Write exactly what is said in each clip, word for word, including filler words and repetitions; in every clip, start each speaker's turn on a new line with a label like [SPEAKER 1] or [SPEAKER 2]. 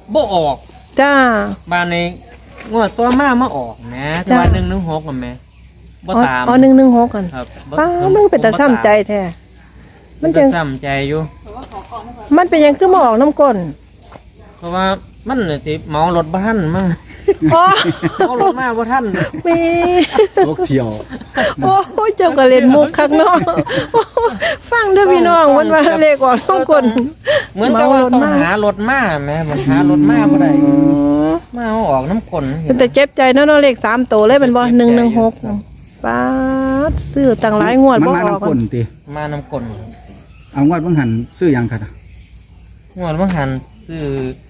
[SPEAKER 1] บ่ออก
[SPEAKER 2] จ้า
[SPEAKER 1] บ้านในงวดตัวมามาออกนะตัวหนึ่งหนึ่งหกกันไหมบ่ตาม
[SPEAKER 2] อ๋อหนึ่งหนึ่งหกกัน
[SPEAKER 1] ครับ
[SPEAKER 2] ป้ามันเป็นแต่ซ้ำใจแท้
[SPEAKER 1] มันเป็นซ้ำใจอยู่
[SPEAKER 2] มันเป็นยังคือมาออกน้ำก้น
[SPEAKER 1] เพราะว่ามันสิเมารถบ้านมั่ง
[SPEAKER 2] เ
[SPEAKER 1] มารถมาบ่ท่าน
[SPEAKER 2] มี
[SPEAKER 3] รถเที่ยว
[SPEAKER 2] โอ้ยเจ้าก็เล่นมุกคักเนาะฟังเด้อพี่น้องมันว่าเลขออกน้ำก้น
[SPEAKER 1] เหมือนกับว่าต้องหารถมาแม่มันหารถมาบ่ได้มาเอาออกน้ำก้น
[SPEAKER 2] เป็นแต่เจ็บใจเนาะเลขสามตัวเลยเป็นบ่หนึ่งหนึ่งหกป้าซื้อตั้งหลายงวดบ่ออกมา
[SPEAKER 3] น้ำก้นติ
[SPEAKER 1] มาน้ำก้น
[SPEAKER 3] เอางวดบังหันซื้อยังค่ะ
[SPEAKER 1] งวดบังหันซื้อ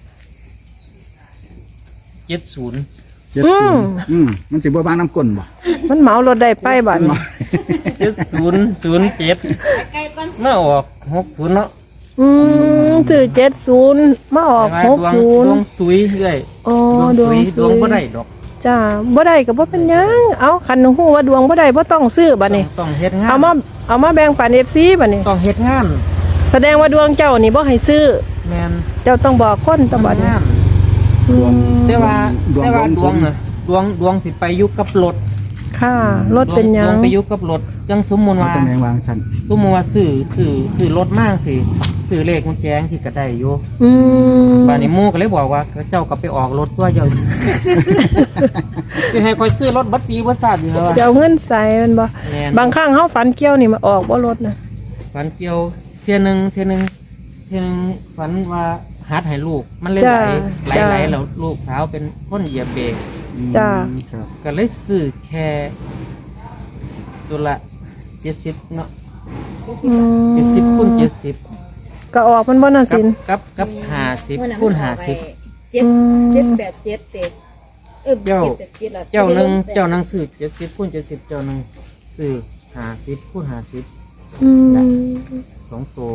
[SPEAKER 1] เจ็ดศูนย์
[SPEAKER 3] เจ็ดศูนย์อืมมันสิบ่บ้านน้ำก้นบ่
[SPEAKER 2] มันเหมารถได้ไปบัด
[SPEAKER 1] เจ็ดศูนย์ศูนย์เจ็ดมาออกหกศูนย์เนาะ
[SPEAKER 2] อืมซื้อเจ็ดศูนย์มาออกหกศูนย์
[SPEAKER 1] ดวงสุยเรื่อย
[SPEAKER 2] อ๋อดวง
[SPEAKER 1] ดวงบ่ได้ดอก
[SPEAKER 2] จ้าบ่ได้ก็บ่เป็นหยังเอาคันฮู้ว่าดวงบ่ได้บ่ต้องซื้อบัดนี้
[SPEAKER 1] ต้องเฮ็ดงาน
[SPEAKER 2] เอามาเอามาแบ่งปัน เอฟ ซี บัดนี้
[SPEAKER 1] ต้องเฮ็ดงาน
[SPEAKER 2] แสดงว่าดวงเจ้านี่บ่ให้ซื้อ
[SPEAKER 1] แม่น
[SPEAKER 2] เจ้าต้องบอกคนตะบัดนี้
[SPEAKER 1] แต่ว่าแต่ว่าดวงน่ะดวงดวงสิไปอยู่กับรถ
[SPEAKER 2] ค่ะรถเป็นหยัง
[SPEAKER 1] ดวงไปอยู่กับรถจังสมมุติว่า
[SPEAKER 3] ตำแหน่งวางซั่น
[SPEAKER 1] สมมุติว่าซื้อซื้อซื้อรถมากสิซื้อเลขมันแจ้งสิก็ได้อยู่
[SPEAKER 2] อืม
[SPEAKER 1] บ้านนี้หมู่ก็เลยบอกว่าเจ้าก็ไปออกรถตัวเจ้าสิให้ค่อยซื้อรถบัดปีบ่ซาดอยู่ว่า
[SPEAKER 2] สิเอาเงินใส่มันบ่บางครั้งเฮาฝันเกี่ยวนี่มาออกบ่รถน่ะ
[SPEAKER 1] ฝันเกี่ยวเที่ยนึงเที่ยนึงเที่ยนึงฝันว่าหัดให้ลูกมันเลยไหลไหลๆแล้วลูกสาวเป็นคนเหยียบเบรก
[SPEAKER 2] จ้า
[SPEAKER 1] ก็เลยซื้อแค่ตัวละเจ็ดสิบเนาะเจ็ดสิบคูณเจ็ดสิบ
[SPEAKER 2] ก็ออกมันบ่น่าสิน
[SPEAKER 1] กับกับห้าสิบคูณห้าสิบ
[SPEAKER 4] เจ็ดเจ็ดแปดเจ็ดเต็ดเออ
[SPEAKER 1] เจ้าเจ้าหนึ่งเจ้าหนังซื้อเจ็ดสิบคูณเจ็ดสิบเจ้าหนึ่งซื้อห้าสิบคูณห้าสิบสองตัว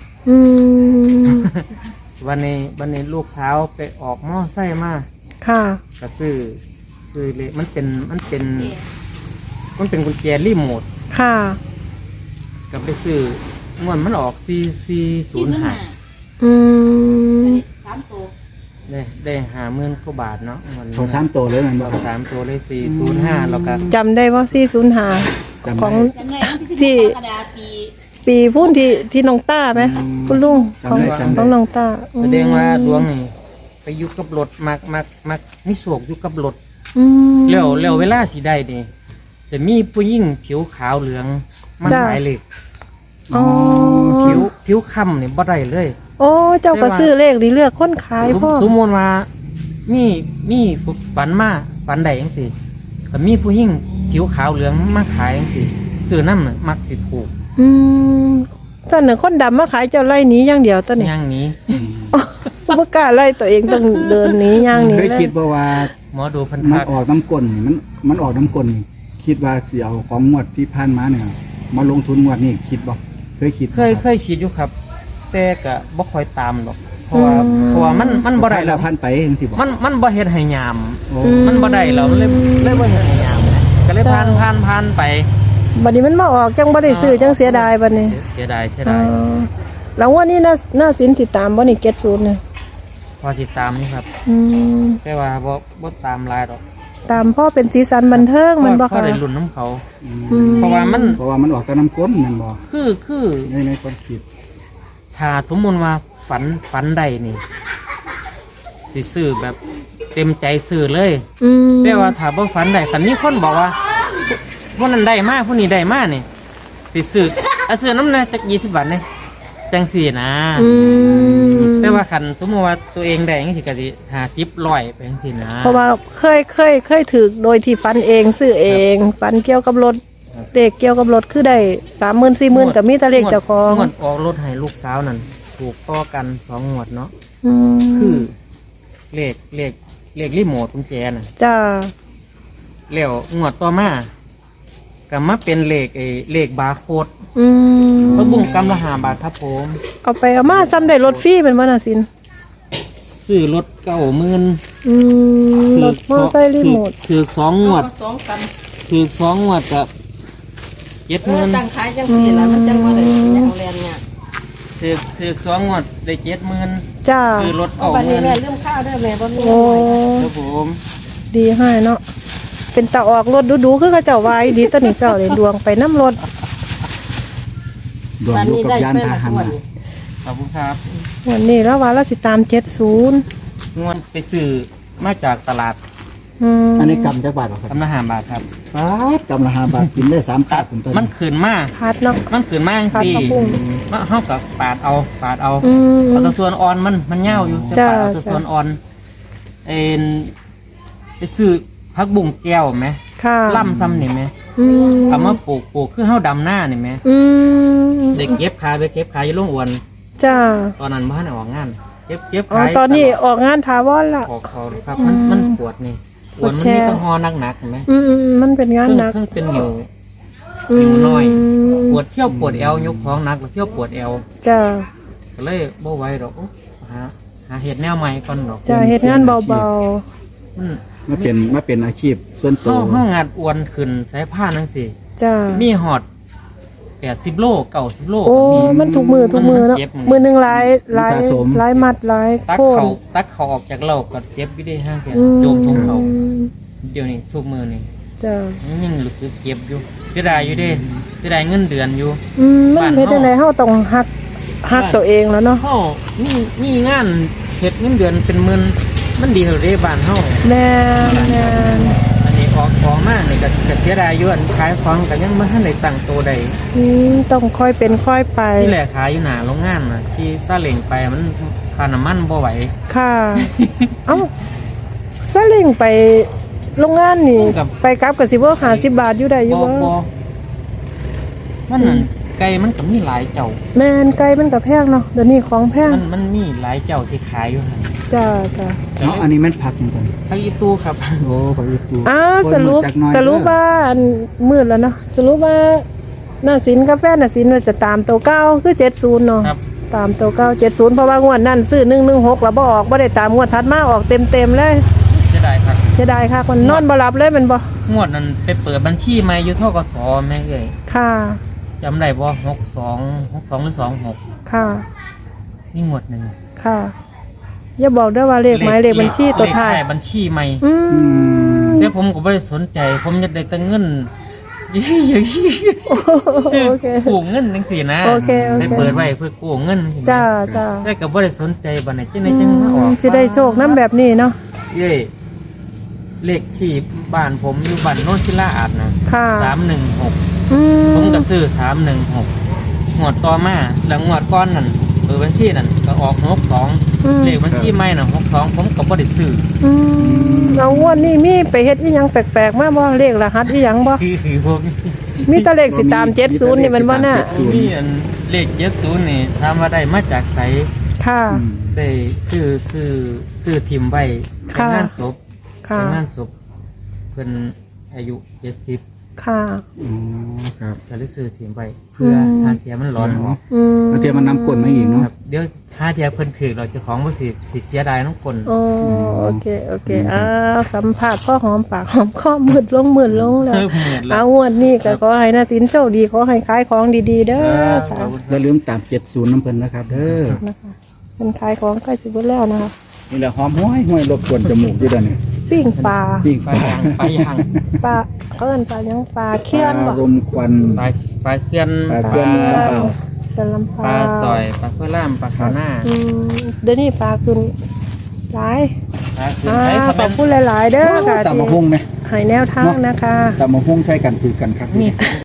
[SPEAKER 1] วันนี้วันนี้ลูกสาวไปออกหม้อไส้มา
[SPEAKER 2] ค่ะ
[SPEAKER 1] ก็ซื้อซื้อเลยมันเป็นมันเป็นมันเป็นกุญแจรีโมท
[SPEAKER 2] ค่ะ
[SPEAKER 1] ก็ไปซื้อเงินมันออกสี่สี่ศูนย์ห้า
[SPEAKER 2] อืม
[SPEAKER 4] สามตัว
[SPEAKER 1] ได้ได้ห้าหมื่นกว่าบาทเนาะมัน
[SPEAKER 3] เขาสามตัวเลยมัน
[SPEAKER 1] บอกสามตัวเลยสี่ศูนย์ห้าแล้วก็
[SPEAKER 2] จำได้ว่าสี่ศูนย์ห้าของที่ปีพุ่นที่ที่น้องต้าไหมคุณลุงของของน้องต้า
[SPEAKER 1] แสดงว่าดวงนี่ไปอยู่กับรถมักมักมักมิสวกอยู่กับรถแล้วแล้วเวลาสีได้นี่จะมีผู้หญิงผิวขาวเหลืองมันหมายเลขผิวผิวค่ำนี่บ่ได้เลย
[SPEAKER 2] โอ้เจ้าก็ซื้อเลขดีเลือกคนขายพ่อ
[SPEAKER 1] สมมติว่ามีมีฝันมาฝันใดยังสิแต่มีผู้หญิงผิวขาวเหลืองมาขายยังสิซื้อน้ำน่ะมักสิถูก
[SPEAKER 2] อืมตอนหนึ่งคนดำมาขายเจ้าไล่หนีอย่างเดียวตอนนี้
[SPEAKER 1] ย่างนี้
[SPEAKER 2] ผู้กล้าไล่ตัวเองต้องเดินหนีย่างนี้
[SPEAKER 3] เคยคิดว่าว่า
[SPEAKER 1] หมอดูพัน
[SPEAKER 3] มันออกน้ำก้นมันมันออกน้ำก้นคิดว่าเสียเอาของงวดที่ผ่านมาเนี่ยมาลงทุนงวดนี้คิดบ่เคยคิด
[SPEAKER 1] เคยเคยคิดอยู่ครับแต่ก็บ่ค่อยตามหรอกเพราะว่าเพราะว่ามันมันบ่ได้
[SPEAKER 3] แล้วผ่านไปจังซี่บ่
[SPEAKER 1] มันมันบ่เฮ็ดให้ยามมันบ่ได้แล้วเลยเลยบ่เฮ็ดให้ยามก็เลยผ่านผ่านผ่านไป
[SPEAKER 2] บัดนี้มันมาออกจังบ่ได้ซื้อจังเสียดายบัดนี้
[SPEAKER 1] เสียดายเสียดาย
[SPEAKER 2] แล้วว่านี่น่าน่าสินสิตามบ่นี่เก็ตศูนย์เนี่ย
[SPEAKER 1] พอสิตามนี่ครับแต่ว่าบ่บ่ตามลายหรอก
[SPEAKER 2] ตามพ่อเป็นสีสันบันเทิงมันบ่ค่ะ
[SPEAKER 1] ก็ได้ลุ้นน้ำเขาเพราะว่ามัน
[SPEAKER 3] เพราะว่ามันออกแต่น้ำก้นมันบ่
[SPEAKER 1] คือคือ
[SPEAKER 3] ในในความคิด
[SPEAKER 1] ถ้าสมมติว่าฝันฝันใดนี่สิซื้อแบบเต็มใจซื้อเลยแต่ว่าถ้าบ่ฝันใดฝันมีคนบอกว่าพวกนั้นได้มากพวกนี้ได้มากนี่สิซื้อเอาซื้อน้ำนะจักยี่สิบบาทเนี่ยจังสี่นะแต่ว่าขันสมมติว่าตัวเองได้ยังสิกะสิหาซิปลอยไปจังสี่นะ
[SPEAKER 2] เพราะว่าเคยเคยเคยถือโดยที่ฝันเองซื้อเองฝันเกี่ยวกับรถเด็กเกี่ยวกับรถคือได้สามหมื่นสี่หมื่นกับมีตะเลขเจ้าของ
[SPEAKER 1] งวดออกรถให้ลูกสาวนั่นถูกต่อกันสองงวดเนาะคือเลขเลขเลขรีโมทกุญแจน่ะ
[SPEAKER 2] จ้า
[SPEAKER 1] แล้วงวดต่อมาก็มาเป็นเลขไอ้เลขบาร์โค้ดพระบุ้งกำละห้าบาทครับผม
[SPEAKER 2] เอาไปเอามาซ้ำได้รถฟรีเป็นวันน่ะสิน
[SPEAKER 1] ซื้อรถเก้าหมื่น
[SPEAKER 2] รถมอไซค์รีโมท
[SPEAKER 1] คือสองงวดคือสองงวดกับเจ็ดหมื่น
[SPEAKER 4] ตั้งขายจังสี่แล้วมันจังว่าได้จังเรียนเนี่ย
[SPEAKER 1] แสถือถือสองงวดได้เจ็ดหมื่น
[SPEAKER 2] จ้า
[SPEAKER 1] ซื้อรถ
[SPEAKER 4] เอา
[SPEAKER 1] เก่า
[SPEAKER 4] บัด
[SPEAKER 1] ห
[SPEAKER 4] นี้
[SPEAKER 1] มื่น
[SPEAKER 4] แม่ลืมข้าวเด้อแม่บ่มี
[SPEAKER 2] โอ้
[SPEAKER 1] ครับผม
[SPEAKER 2] ดีให้เนาะเป็นตาออกรถดูๆคือเขาเจ้าไว้ดีตอนนี้เจ้าเลยดวงไปน้ำรถ
[SPEAKER 3] ดวง
[SPEAKER 4] บัด
[SPEAKER 3] อยู่
[SPEAKER 4] นี้
[SPEAKER 3] กับ
[SPEAKER 4] ได้
[SPEAKER 3] ยาน
[SPEAKER 4] ไป
[SPEAKER 3] พา
[SPEAKER 4] ละ
[SPEAKER 3] ห
[SPEAKER 4] งวด
[SPEAKER 3] นะ
[SPEAKER 4] นี่
[SPEAKER 1] ขอบคุณครับ
[SPEAKER 2] วันนี้แล้วว่าเราสิตามเจ็ดศูนย์
[SPEAKER 1] งวดไปซื้อมาจากตลาด
[SPEAKER 2] อืม
[SPEAKER 3] อันนี้กำจักบาทเหรอครับ
[SPEAKER 1] กำลังหาบาทครับ
[SPEAKER 3] บาทกำละห้าบาทกินได้สาม
[SPEAKER 1] ตั
[SPEAKER 3] ตั
[SPEAKER 1] ด
[SPEAKER 3] ดผมต้น
[SPEAKER 1] มันขืนมาก
[SPEAKER 2] พัดเนาะ
[SPEAKER 1] มันขืนมาก
[SPEAKER 2] พัด
[SPEAKER 1] สิ
[SPEAKER 2] กระปุ้ง
[SPEAKER 1] มาเฮากับปาดเอาปาดเอา
[SPEAKER 2] อืม
[SPEAKER 1] เอาแตัวส่วนอ่อนมันมันเหี่ยวอยู่จะ
[SPEAKER 2] จ้า
[SPEAKER 1] ปาดเอาแตัวส่วนอ่อนเอ็นไปซื้อผักบุ้งแก้วไหม
[SPEAKER 2] ค่ะ
[SPEAKER 1] ล่ำซ้ำนี่ไหม
[SPEAKER 2] อืม
[SPEAKER 1] เอามาปลูกปลูกคือเฮาดำหน้านี่ไหม
[SPEAKER 2] อืม
[SPEAKER 1] เด็กเก็บขายไปเก็บขายอยู่โรงอวน
[SPEAKER 2] จ้า
[SPEAKER 1] ตอนนั้นบ้านได้ออกงานเก็บเก็บ
[SPEAKER 2] อ๋อ
[SPEAKER 1] ขาย
[SPEAKER 2] ตอนนี้ออกงานทาวอนละ
[SPEAKER 1] ขอเขาครับมันมันปวดนี่ปวดมัน
[SPEAKER 2] ปวดแช
[SPEAKER 1] มี
[SPEAKER 2] ร์
[SPEAKER 1] แต้องหอหนักๆเห็นไหม
[SPEAKER 2] อืมอืมมันเป็นงาน
[SPEAKER 1] เครื่อง
[SPEAKER 2] หนัก
[SPEAKER 1] เครื่องเป็นหิว
[SPEAKER 2] อื
[SPEAKER 1] หิ
[SPEAKER 2] ม
[SPEAKER 1] วน้อย ปวดเที่ยวปวดเอวยกท้องหนักปวดเที่ยวปวดเอว
[SPEAKER 2] จ้า
[SPEAKER 1] ก็เลยบ่ไหวดอกโอ๊ะหาหาเห็ดแนวใหม่ก่อนดอก
[SPEAKER 2] จ้าเฮ็ดงานเบา
[SPEAKER 1] มัน
[SPEAKER 3] มาเป็นมาเป็นอาชีพส่วนตั
[SPEAKER 1] เฮาว เฮางานอ้วนขึ้นสายผ้านั่นสิ
[SPEAKER 2] ๆจ้า
[SPEAKER 1] มีหอดแปดสิบโลเก้าสิบโล
[SPEAKER 2] โอ้
[SPEAKER 1] ก็มี
[SPEAKER 2] มันถูกมือถูกมือเนาะ
[SPEAKER 1] มันเจ็บมือ
[SPEAKER 2] มือหนึ่งหลายหลายหลายมัดหลาย
[SPEAKER 1] ตัก
[SPEAKER 2] โคน
[SPEAKER 1] เขาตักเขาออกจากเหล้าก็เจ็บอยู่ได้ห้างแก
[SPEAKER 2] อืม
[SPEAKER 1] โจมทงเขาเดี๋ยวนี้ทุกมือนี่
[SPEAKER 2] จ้า
[SPEAKER 1] ยังรู้สึกเจ็บอยู่เสียดายอยู่เด้เสียดายเงินเดือนอยู่
[SPEAKER 2] อืมมัน
[SPEAKER 1] บ้าน
[SPEAKER 2] เฮ็ดจังได๋
[SPEAKER 1] เฮา
[SPEAKER 2] เฮาต้องฮักฮักตัวเองแล้วเนาะ
[SPEAKER 1] เฮามีมีงานเฮ็ดเงินเดือนเป็นหมื่นมันดีเท่าเด้บ้านเฮา
[SPEAKER 2] แม่นแม่น
[SPEAKER 1] อันนี้ออกของมานี่ก็ก็เสียดายอยู่อันขายของก็ยังบ่ทันได้ตั้งตัวใด
[SPEAKER 2] อืมต้องค่อยเป็นค่อยไป
[SPEAKER 1] ที่แหละขายอยู่หน้าโรงงานน่ะที่ซาเล้งไปมันค่าน้ำมันบ่ไหว
[SPEAKER 2] ค่ะ เอ้าซาเล้งไปโรงงานนี่
[SPEAKER 1] กับ
[SPEAKER 2] ไปกลับก็สิบ่ห้าสิบบาทอยู่ได้อยู่
[SPEAKER 1] บ่
[SPEAKER 2] บ่
[SPEAKER 1] บ่มันนั่นไก่มันก็มีหลายเจ้า
[SPEAKER 2] แม่นไก่มันก็แพงเนาะเดี๋ยวนี้ของแพง
[SPEAKER 1] มันมันมีหลายเจ้าที่ขายอยู่หั่น
[SPEAKER 2] จ้าจ้า
[SPEAKER 3] เนาะอันนี้มันผักจริง
[SPEAKER 1] ผักอีตู้ครับ
[SPEAKER 3] ๆโอ้ผักอีตู
[SPEAKER 2] อ้าวสรุป
[SPEAKER 3] คนมาจากน้อย
[SPEAKER 2] สรุป
[SPEAKER 3] เด้อ
[SPEAKER 2] ว่าอันมืดแล้วเนาะสรุปว่าหน้าสินกาแฟหน้าสินว่าจะตามตัวเก้าคือเจ็ดศูนย์เนาะ
[SPEAKER 1] ครับ
[SPEAKER 2] ตามตัวเก้าเจ็ดศูนย์เพราะว่างวดนั่นซื้อหนึ่งหนึ่งหกแล้วบ่ออกบ่ได้ตามงวดถัดมาออกเต็มเต็มๆเลย
[SPEAKER 1] เสียดายครับ
[SPEAKER 2] เสียดายค่ะคนนอนบ่หลับเลยแมันบ่
[SPEAKER 1] งวดนั้นไปเปิดบัญชีใหม่อยู่ทกสแม่เอ้ย
[SPEAKER 2] ค่ะ
[SPEAKER 1] จำได้บ่หกสองหกสองหรือสองหก
[SPEAKER 2] ค่ะ
[SPEAKER 1] นี่งวดหนึ่ง
[SPEAKER 2] ค่ะอย่าบอกด้วยว่าเลขหมายเลขบัญชีตัวท้าย
[SPEAKER 1] เลขบัญชีใหม่
[SPEAKER 2] อื
[SPEAKER 3] อื
[SPEAKER 2] ม
[SPEAKER 3] ม
[SPEAKER 1] แต่ผมก็ไม่ได้สนใจ ผมอยากได้แต่เงิน คือ
[SPEAKER 2] โอเค
[SPEAKER 1] กู้เงินจังซี่นะ
[SPEAKER 2] โอเคโอเค
[SPEAKER 1] ได้เปิดไว้เพื่อกู้เงิน
[SPEAKER 2] จ้าจ้า
[SPEAKER 1] แต่ก็บ่ได้สนใจบัดนี้จังได๋จังมาออก
[SPEAKER 2] สิได้โชคน้ำแบบนี้เนาะ
[SPEAKER 1] เย้เลขที่บ้านผมอยู่บ้านโนนศิลาอาดนะ
[SPEAKER 2] ค่ะ
[SPEAKER 1] สามหนึ่งหก
[SPEAKER 2] อืม
[SPEAKER 1] ผมก็ซื้อสามหนึ่งหกงวดต่อมาแล้วงวดก้อนนั่นเปิดบัญชีนั่นก็ออกหกสอง
[SPEAKER 2] อืม
[SPEAKER 1] เลขบัญชีใหม่น่ะหกสองผมก็บ่ได้ซื้อ
[SPEAKER 2] อืมเอางวดนี้มีไปเฮ็ดอีหยังแปลกๆมาบ่เลขรหัสอีหยังบ่
[SPEAKER 1] คือคือผม
[SPEAKER 2] มีแต่เลขสิตามเจ็ดศูนย์นี่มันบ่น่ะ
[SPEAKER 1] มีอันเลขเจ็ดศูนย์นี่ถามว่าได้มาจากไส
[SPEAKER 2] ค่ะ
[SPEAKER 3] อืม
[SPEAKER 1] ได้ซื้อซื้อซื้อทิมไว้ใน
[SPEAKER 2] ค่ะ
[SPEAKER 1] งานศพ
[SPEAKER 2] ค่ะ
[SPEAKER 1] ในงานศพเพิ่นอายุเจ็ดสิบ
[SPEAKER 2] ค่ะ
[SPEAKER 3] อ๋อครับ
[SPEAKER 1] ก็เลยซื้อทิมไว้เพื่อ
[SPEAKER 2] ม
[SPEAKER 1] ทานเทียมันร้อนออก
[SPEAKER 2] อืม
[SPEAKER 3] แล้วเทียมมันน้ำกลนมาอีกเนาะ
[SPEAKER 1] ครับเดี๋ยวหาเทียเพิ่นถือเราเจะของบ่ถือสิเสียดายน้องคน
[SPEAKER 2] โอ้โอเคโอเคอ่าสัมภาษณ์พ่อหอมปากหอมคอมืดลงมืดลงแล้ว
[SPEAKER 1] เพิ่มหมื่นแล้
[SPEAKER 2] เอา
[SPEAKER 1] ว
[SPEAKER 2] งวดนี้ก็ขอให้น่าสินโชคดีขอให้ขายของดีๆเด้อ
[SPEAKER 1] ข
[SPEAKER 2] ค่ะ
[SPEAKER 1] อบคุณ
[SPEAKER 3] อย่าลืมตามเจ็ดศูนย์น้ำเพิ่นนะครับเด้อ
[SPEAKER 2] นะคะเป็นขายของใกล้สิเบิดแล้วนะคะ
[SPEAKER 3] นี่แหละหอมห้อยห้อยรบกวนจมูกอยู่เด้อนี่
[SPEAKER 2] ปิ้งปลา
[SPEAKER 3] ปิ้ง
[SPEAKER 1] ไป
[SPEAKER 3] ปลา
[SPEAKER 1] ยังไปยัง
[SPEAKER 2] ปลาเอิ้นปลาหยังปลาเคี่ยนบ่
[SPEAKER 3] รมควัน
[SPEAKER 1] ไปไปเคลื่อน
[SPEAKER 3] ปลาเคลื่อนลำเปล่า
[SPEAKER 2] จะลำ
[SPEAKER 1] ป
[SPEAKER 2] ป
[SPEAKER 1] ลา
[SPEAKER 2] ลา
[SPEAKER 1] ซอยปลาข้าวล่ามปลาขาวหน้า
[SPEAKER 2] อืมเดี๋ยวนี้ปลาขึ้นหลาย
[SPEAKER 1] ปลาขึ้น
[SPEAKER 2] อ่า
[SPEAKER 1] ไป
[SPEAKER 2] ข
[SPEAKER 1] เขา
[SPEAKER 2] อ
[SPEAKER 1] เป็
[SPEAKER 2] บ
[SPEAKER 1] น
[SPEAKER 2] คุณหลายๆเด้อค่ะ
[SPEAKER 3] ตำมะฮุ่งไหม
[SPEAKER 2] ให้แนวทางนะคะ
[SPEAKER 3] ตำมะฮุ่งใส่กันถือกันครับ
[SPEAKER 1] มีทุก